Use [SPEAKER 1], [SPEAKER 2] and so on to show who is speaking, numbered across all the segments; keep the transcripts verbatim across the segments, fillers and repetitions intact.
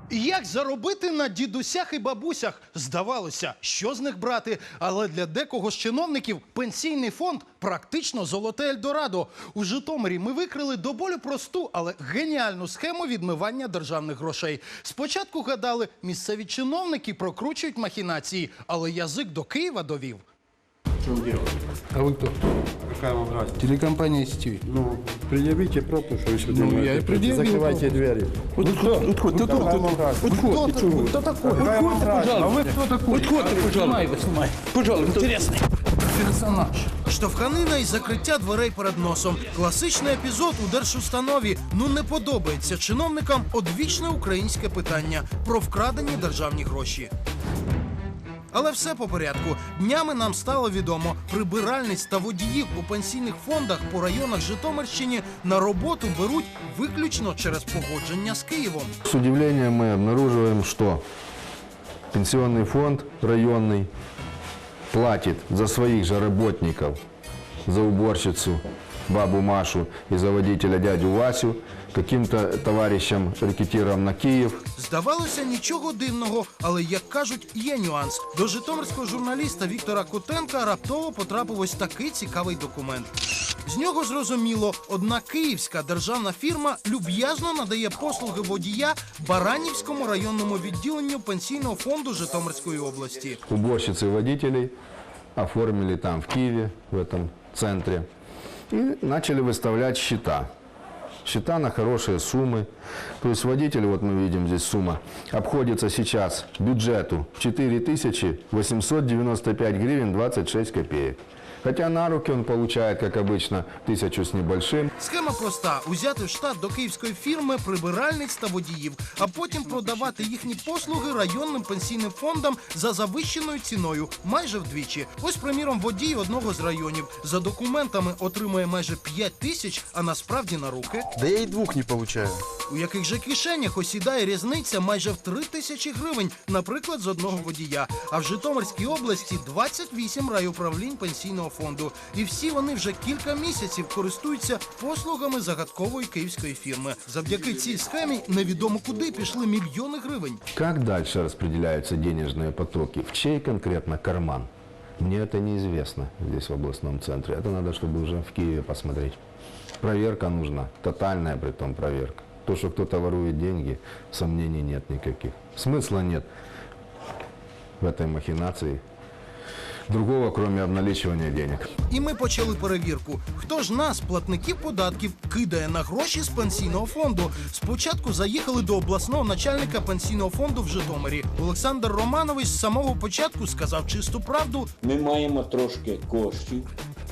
[SPEAKER 1] Як заробити на дідусях і бабусях? Здавалося, що з них брати? Але для декого з чиновників пенсійний фонд – практично золоте Ельдорадо. У Житомирі ми викрили до болю просту, але геніальну схему відмивання державних грошей. Спочатку гадали, місцеві чиновники прокручують махінації, але язик до Києва довів.
[SPEAKER 2] Что вы делаете?
[SPEAKER 3] А вы кто?
[SPEAKER 2] Какая вам разница?
[SPEAKER 3] Телекомпания сетей.
[SPEAKER 2] Ну, предъявите пропуск, что вы сюда
[SPEAKER 3] Ну,
[SPEAKER 2] можете
[SPEAKER 3] я и
[SPEAKER 2] прийти.
[SPEAKER 3] предъявил
[SPEAKER 2] Закрывайте двери.
[SPEAKER 3] Вот кто? Отходь, ты
[SPEAKER 2] Какая вам
[SPEAKER 3] кто?
[SPEAKER 2] разница?
[SPEAKER 3] Отходь, ты чего? Кто такой?
[SPEAKER 2] Какая вам
[SPEAKER 3] Отходь,
[SPEAKER 2] разница?
[SPEAKER 3] пожалуйста.
[SPEAKER 2] А вы кто такой?
[SPEAKER 3] Отходь, ты, пожалуйста.
[SPEAKER 1] Снимай.
[SPEAKER 3] Пожалуйста. Интересный персонаж.
[SPEAKER 1] Штовханина і закриття дверей перед носом. Класичний епізод у держустанові. Ну не подобається чиновникам одвічне українське питання про вкрадені державні гроші. Але все по порядку. Днями нам стало відомо, прибиральниць та водіїв у пенсійних фондах по районах Житомирщини на роботу беруть виключно через погодження з Києвом.
[SPEAKER 4] С удивлением мы обнаруживаем, что пенсионный фонд районный платит за своих же работников, за уборщицу бабу Машу и за водителя дядю Васю, каким-то товарищам рекетирам на Киев.
[SPEAKER 1] Здавалося, нічого дивного, але, як кажуть, є нюанс. До житомирського журналіста Віктора Котенка раптово потрапив ось такий цікавий документ. З нього зрозуміло, одна київська державна фірма люб'язно надає послуги водія Баранівському районному відділенню пенсійного фонду Житомирської області.
[SPEAKER 4] Уборщицы и водителей оформили там в Киеве, в этом центре, и начали выставлять счета. Счета на хорошие суммы. То есть водитель, вот мы видим здесь сумма, обходится сейчас бюджету четыре тысячи восемьсот девяносто пять гривен двадцать шесть копеек. Хотя на руки он получает, как обычно, тысячу с небольшим.
[SPEAKER 1] Схема проста – узяти в штат до київської фірми прибиральниць та водіїв, а потім продавати їхні послуги районним пенсійним фондам за завищеною ціною, майже вдвічі. Ось, приміром, водій одного з районів за документами отримує майже п'ять тисяч, а насправді на руки.
[SPEAKER 2] Да я и двух не получаю.
[SPEAKER 1] У яких же кишенях осідає різниця майже в три тисячі гривень, наприклад, з одного водія. А в Житомирській області двадцять вісім райуправлінь пенсійного фонду. І всі вони вже кілька місяців користуються послугами загадкової київської фірми. Завдяки цій схемі невідомо куди пішли мільйони гривень.
[SPEAKER 4] Как дальше распределяются денежные потоки? В чей конкретно карман? Мне это неизвестно здесь в областном центре. Это надо, чтобы уже в Киеве посмотреть. Проверка нужна, тотальная притом проверка. То, что кто-то ворует деньги, сомнений нет никаких. Смысла нет в этой махинации. Другого, кроме обналичивания денег.
[SPEAKER 1] І ми почали перевірку. Хто ж нас, платників податків, кидає на гроші з пенсійного фонду? Спочатку заїхали до обласного начальника пенсійного фонду в Житомирі. Олександр Романович з самого початку сказав чисту правду.
[SPEAKER 5] Ми маємо трошки коштів,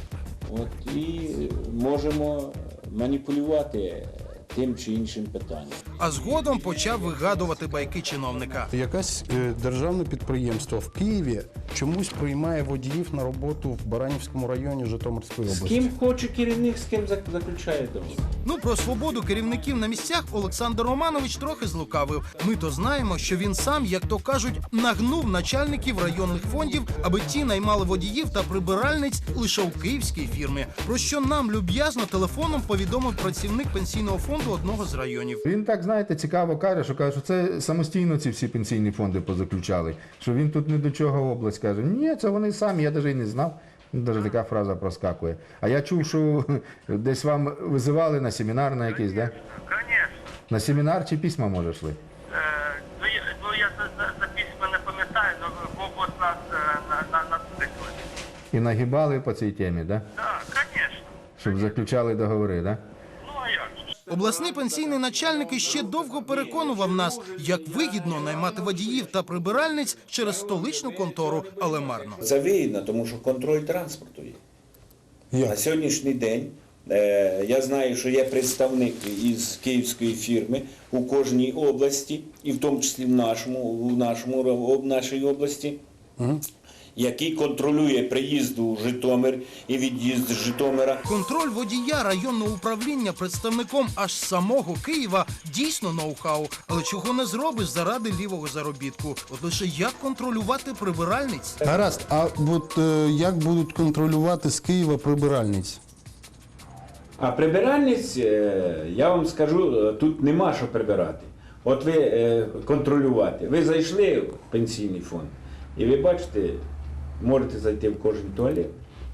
[SPEAKER 5] от, і можемо маніпулювати тим чи іншим питанням.
[SPEAKER 1] А згодом почав вигадувати байки чиновника.
[SPEAKER 3] Якесь е, державне підприємство в Києві чомусь приймає водіїв на роботу в Баранівському районі Житомирської
[SPEAKER 5] З
[SPEAKER 3] області.
[SPEAKER 5] ким хоче керівник, з ким зак- заключає договір.
[SPEAKER 1] Ну, про свободу керівників на місцях Олександр Романович трохи злукавив. Ми то знаємо, що він сам, як то кажуть, нагнув начальників районних фондів, аби ті наймали водіїв та прибиральниць лише у київській фірмі. Про що нам люб'язно телефоном повідомив працівник пенсійного фонду одного з районів.
[SPEAKER 4] Він так, знаєте, цікаво каже, що каже, що це самостійно ці всі пенсійні фонди позаключали, що він тут не до чого область каже. Ні, це вони самі, я навіть і не знав. Навіть така фраза проскакує. А я чув, що десь вам визивали на семінар на якийсь, да?
[SPEAKER 6] Конечно.
[SPEAKER 4] На семінар чи письма, може, йшли?
[SPEAKER 6] Е, ну, я, ну, я за, за, за письма не пам'ятаю, але Бог нас е, на, на, нацикли.
[SPEAKER 4] І нагибали по цій темі, да?
[SPEAKER 6] Так, звісно.
[SPEAKER 4] Щоб заключали договори, да?
[SPEAKER 6] Ну, а як же?
[SPEAKER 1] Обласний пенсійний начальник іще довго переконував нас, як вигідно наймати водіїв та прибиральниць через столичну контору, але марно.
[SPEAKER 7] Це вигідно, тому що контроль транспорту є. На сьогоднішній день е, я знаю, що є представник із київської фірми у кожній області, і в тому числі в нашому, в нашому в нашій області, угу. який контролює приїзд у Житомир і від'їзд з Житомира.
[SPEAKER 1] Контроль водія районного управління представником аж самого Києва дійсно ноу-хау. Але чого не зробиш заради лівого заробітку? От лише як контролювати прибиральниць?
[SPEAKER 3] Гаразд, а от е, як будуть контролювати з Києва прибиральниць?
[SPEAKER 5] А прибиральниць, е, я вам скажу, тут нема що прибирати.
[SPEAKER 7] От ви е, контролювати. Ви зайшли в пенсійний фонд, і ви бачите, можете зайти в кожен туалет.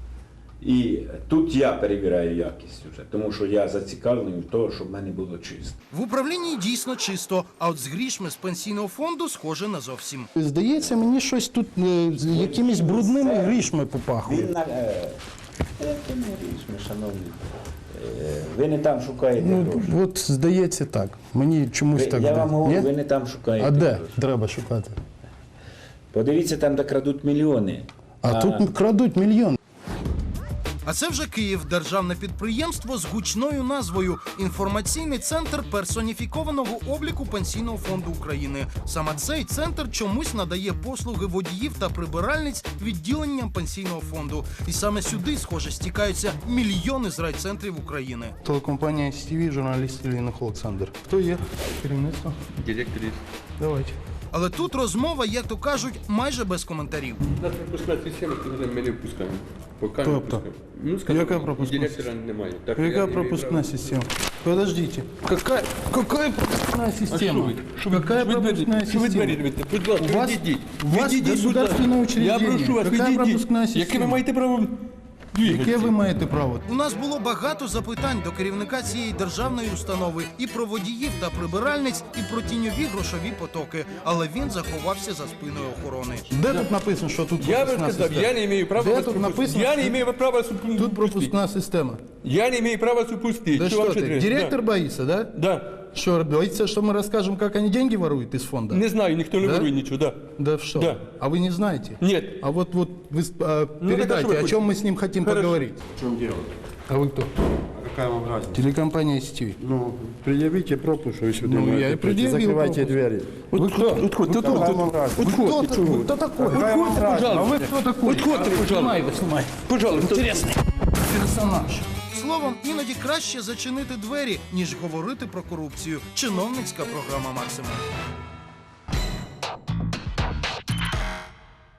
[SPEAKER 7] І тут я перевіряю якість вже, тому що я зацікавлений в тому, щоб в мене було чисто.
[SPEAKER 1] В управлінні дійсно чисто, а от з грішми з пенсійного фонду схоже на зовсім.
[SPEAKER 3] Здається, мені щось тут е, з якимись брудними грішми попахує.
[SPEAKER 7] Він на е, е, це не річми, шановні. Е, ви не там шукаєте
[SPEAKER 3] Ну,
[SPEAKER 7] гроші.
[SPEAKER 3] от здається так. Мені чомусь
[SPEAKER 7] Ви,
[SPEAKER 3] так
[SPEAKER 7] я
[SPEAKER 3] здається.
[SPEAKER 7] вам говорю,
[SPEAKER 3] Ні?
[SPEAKER 7] ви не там шукаєте
[SPEAKER 3] А де
[SPEAKER 7] гроші.
[SPEAKER 3] треба шукати?
[SPEAKER 7] Подивіться, там, де крадуть мільйони.
[SPEAKER 3] А тут крадуть мільйон.
[SPEAKER 1] А це вже Київ, державне підприємство з гучною назвою «Інформаційний центр персоніфікованого обліку Пенсійного фонду України». Саме цей центр чомусь надає послуги водіїв та прибиральниць відділенням Пенсійного фонду. І саме сюди, схоже, стікаються мільйони з райцентрів України.
[SPEAKER 3] Телекомпанія Сі Ті Ві, журналіст Іллінок Олександр. Хто є? Керівництво?
[SPEAKER 2] Директор есть.
[SPEAKER 3] Давайте.
[SPEAKER 1] Але тут розмова, як то кажуть, майже без коментарів.
[SPEAKER 2] У нас пропускна система, коли ми не впускаємо. Поки не
[SPEAKER 3] Тобто?
[SPEAKER 2] впускаємо. Ну, скажімо,
[SPEAKER 3] Яка
[SPEAKER 2] і
[SPEAKER 3] пропускна
[SPEAKER 2] директора немає. Так, я
[SPEAKER 3] Яка
[SPEAKER 2] не маю
[SPEAKER 3] пропускна
[SPEAKER 2] права.
[SPEAKER 3] система? Подождите. Какая, какая пропускная
[SPEAKER 2] А що
[SPEAKER 3] система?
[SPEAKER 2] ви? Що ви-
[SPEAKER 3] Какая
[SPEAKER 2] що ви двері-
[SPEAKER 3] пропускная
[SPEAKER 2] що ви двері
[SPEAKER 3] система?
[SPEAKER 2] рвете? Будь ласка,
[SPEAKER 3] У вас-
[SPEAKER 2] відійдіть.
[SPEAKER 3] у вас
[SPEAKER 2] Відійдіть, будь
[SPEAKER 3] государственное
[SPEAKER 2] ласка. Я
[SPEAKER 3] учреждение.
[SPEAKER 2] прошу вас,
[SPEAKER 3] Какая
[SPEAKER 2] відійдіть.
[SPEAKER 3] пропускная
[SPEAKER 2] Яке ви
[SPEAKER 3] система?
[SPEAKER 2] маєте право двигатися?
[SPEAKER 3] Яке ви маєте право?
[SPEAKER 1] У нас було багато запитань до керівника цієї державної установи і про водіїв та прибиральниць, і про тіньові грошові потоки. Але він заховався за спиною охорони.
[SPEAKER 3] Де тут написано, що тут
[SPEAKER 2] Я вам
[SPEAKER 3] пропускна
[SPEAKER 2] сказав,
[SPEAKER 3] система?
[SPEAKER 2] я не маю права
[SPEAKER 3] Де
[SPEAKER 2] вас
[SPEAKER 3] тут
[SPEAKER 2] пропустити.
[SPEAKER 3] написано,
[SPEAKER 2] Я не
[SPEAKER 3] що
[SPEAKER 2] маю права вас пропустити.
[SPEAKER 3] Тут пропускна система.
[SPEAKER 2] Я не имею права запустить.
[SPEAKER 3] Да
[SPEAKER 2] Что вам
[SPEAKER 3] что
[SPEAKER 2] ще
[SPEAKER 3] ты,
[SPEAKER 2] треба?
[SPEAKER 3] директор боится, да?
[SPEAKER 2] Да. Да.
[SPEAKER 3] Что, боится, что мы расскажем, как они деньги воруют из фонда?
[SPEAKER 2] Не знаю, никто не
[SPEAKER 3] Да?
[SPEAKER 2] ворует ничего, да.
[SPEAKER 3] Да что?
[SPEAKER 2] Да.
[SPEAKER 3] А вы не знаете?
[SPEAKER 2] Нет.
[SPEAKER 3] А вот, вот вы а,
[SPEAKER 2] Ну, так а
[SPEAKER 3] передайте,
[SPEAKER 2] что вы
[SPEAKER 3] о
[SPEAKER 2] хотите?
[SPEAKER 3] чем мы с ним хотим
[SPEAKER 2] Хорошо.
[SPEAKER 3] поговорить.
[SPEAKER 2] В чем дело?
[SPEAKER 3] А вы кто?
[SPEAKER 2] Какая вам разница?
[SPEAKER 3] Телекомпания Сі Ті Ві.
[SPEAKER 2] Ну, предъявите пропуск, что вы сюда
[SPEAKER 3] Ну,
[SPEAKER 2] можете
[SPEAKER 3] я и
[SPEAKER 2] прийти.
[SPEAKER 3] предъявил
[SPEAKER 2] Закрывайте
[SPEAKER 3] пропуск.
[SPEAKER 2] двери.
[SPEAKER 3] Вы кто?
[SPEAKER 2] Отходь, ты
[SPEAKER 3] Какая
[SPEAKER 2] тут,
[SPEAKER 3] вам
[SPEAKER 2] тут.
[SPEAKER 3] разница? Вы
[SPEAKER 2] Отходь,
[SPEAKER 3] кто
[SPEAKER 2] ты
[SPEAKER 3] такой?
[SPEAKER 2] чего?
[SPEAKER 3] Кто такой?
[SPEAKER 2] Какая вам разница?
[SPEAKER 3] А вы кто такой?
[SPEAKER 2] Отходь ты, пожалуйста.
[SPEAKER 3] Снимай его, снимай.
[SPEAKER 2] Пожалуйста.
[SPEAKER 3] Интересный персонаж.
[SPEAKER 1] Словом, іноді краще зачинити двері, ніж говорити про корупцію. Чиновницька програма «Максимум».